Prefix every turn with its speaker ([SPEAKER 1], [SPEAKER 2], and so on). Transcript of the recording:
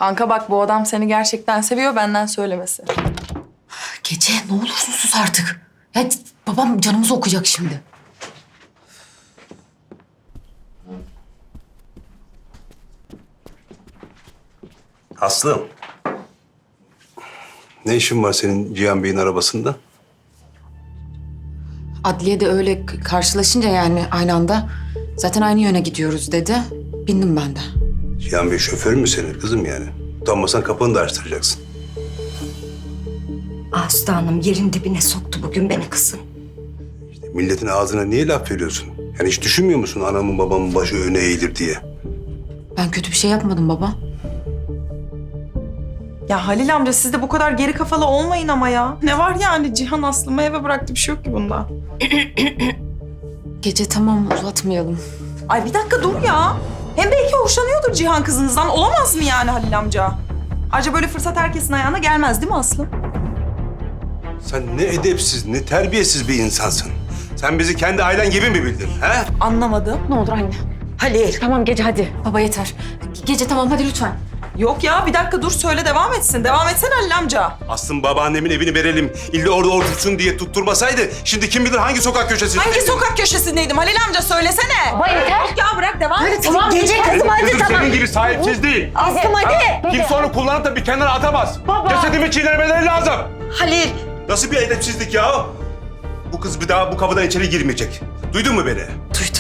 [SPEAKER 1] Kanka bak bu adam seni gerçekten seviyor, benden söylemesi.
[SPEAKER 2] Gece ne olursun sus artık. Ya babam canımızı okuyacak şimdi.
[SPEAKER 3] Aslım. Ne işin var senin Cihan Bey'in arabasında?
[SPEAKER 2] Adliyede öyle karşılaşınca yani aynı anda zaten aynı yöne gidiyoruz dedi. Bindim ben de.
[SPEAKER 3] Cihan Bey şoför mü senin kızım yani? Utanmasan kapını da açtıracaksın.
[SPEAKER 4] Aslı Hanım yerin dibine soktu bugün beni kızım.
[SPEAKER 3] Milletin ağzına niye laf veriyorsun? Yani hiç düşünmüyor musun anamın babamın başı öne eğilir diye?
[SPEAKER 2] Ben kötü bir şey yapmadım baba.
[SPEAKER 1] Ya Halil amca siz de bu kadar geri kafalı olmayın ama ya. Ne var yani Cihan Aslı'mı eve bıraktı, bir şey yok ki bunda.
[SPEAKER 2] Gece tamam uzatmayalım.
[SPEAKER 1] Ay bir dakika dur ya. Hem belki hoşlanıyordur Cihan kızınızdan. Olamaz mı yani Halil amca? Ayrıca böyle fırsat herkesin ayağına gelmez değil mi Aslı?
[SPEAKER 3] Sen ne edepsiz, ne terbiyesiz bir insansın. Sen bizi kendi ailen gibi mi bildin, he?
[SPEAKER 1] Anlamadım.
[SPEAKER 2] Ne olur anne.
[SPEAKER 4] Halil.
[SPEAKER 2] Tamam Gece hadi. Baba yeter. Gece tamam hadi lütfen.
[SPEAKER 1] Yok ya bir dakika dur söyle devam etsin. Devam etsene Halil amca.
[SPEAKER 3] Aslım babaannemin evini verelim, illa orada otursun diye tutturmasaydı... ...şimdi kim bilir hangi sokak köşesinde...
[SPEAKER 1] Hangi sokak köşesindeydim Halil amca söylesene.
[SPEAKER 4] Baba yeter.
[SPEAKER 1] Yok ya bırak devam et.
[SPEAKER 4] Tamam gece kızım hadi
[SPEAKER 3] Kızım
[SPEAKER 4] tamam.
[SPEAKER 3] senin gibi sahipsiz değil.
[SPEAKER 4] Aslım hadi.
[SPEAKER 3] Kimse onu kullanıp da bir kenara atamaz. Cesedimi çiğnemeleri lazım.
[SPEAKER 4] Halil.
[SPEAKER 3] Nasıl bir edepsizlik ya? Bu kız bir daha bu kapıdan içeri girmeyecek. Duydun mu beni?
[SPEAKER 1] Duydum.